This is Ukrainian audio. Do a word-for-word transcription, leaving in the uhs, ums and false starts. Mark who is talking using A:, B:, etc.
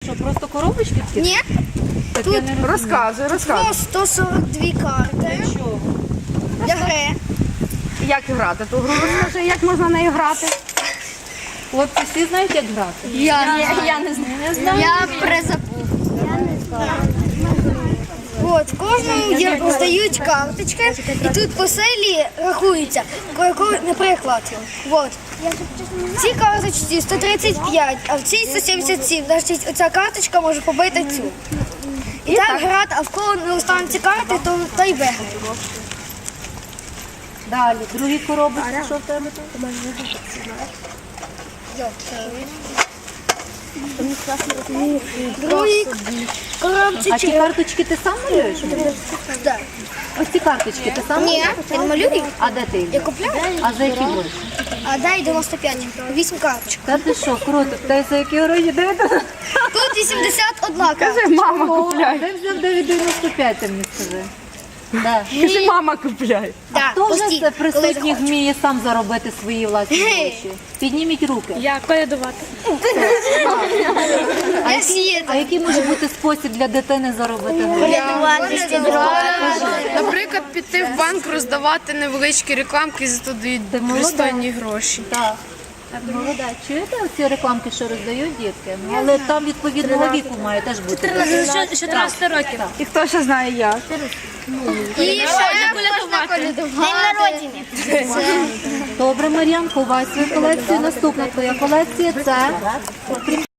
A: що, просто коробочки такі?
B: Ні,
A: Так
B: тут
A: я не розумію.
C: Розказуй, розказуй.
B: ну, сто сорок дві карти
A: Чого?
B: для гри.
C: Як грати ту гру? Розкажи, як можна нею грати?
A: Хлопці всі знають, як грати?
B: Я, я не знаю. Я призабув. От, кожному є, роздають карточки, і тут по селі рахується. Ко- Наприклад, от, ці карточці сто тридцять п'ять, а в цій сто сімдесят сім. Значить, оця карточка може побити цю. І так грати, а в кого не остануться карти, то той виграє.
A: Далі, другі коробочки, що в тебе тут?
B: Другий коробці
A: А ті карточки ти сам малюєш?
B: Так.
A: Ось ці карточки ти сам
B: Ні,
A: малюєш?
B: він малює.
A: А де ти їх?
B: Я купляю.
A: А за які гроші?
B: А дай дев'яносто п'ять, вісім карточок.
A: Та ти що, круто, та за які гроші? Де ти?
B: Тут вісімдесят одна карточка.
C: Кажи, мама купляє.
A: Де взяв дев'ять дев'яносто п'ять, ти мені скажи? Да.
C: Кажи, мама купляє.
B: Так,
A: Хто вже
B: постійно,
A: це
B: коли
A: присутніх
B: захочеш.
A: вміє сам заробити свої власні гроші? Підніміть руки.
D: Я колядувати.
A: А
B: Я
A: який,
B: сіяти.
A: а який може бути спосіб для дитини заробити гроші?
D: Наприклад, піти в банк, роздавати невеличкі рекламки, за то дають
A: Ти молода.
D: пристойні гроші.
A: Так. Молода, чуєте оці рекламки, що роздають дітки? Ну, але там відповідного віку має теж бути.
D: чотирнадцять років.
C: І хто ще знає як?
B: І ще можна колядувати. День народження.
A: Добре, Мар'ян, ховай свою колекцію. Наступна твоя колекція – це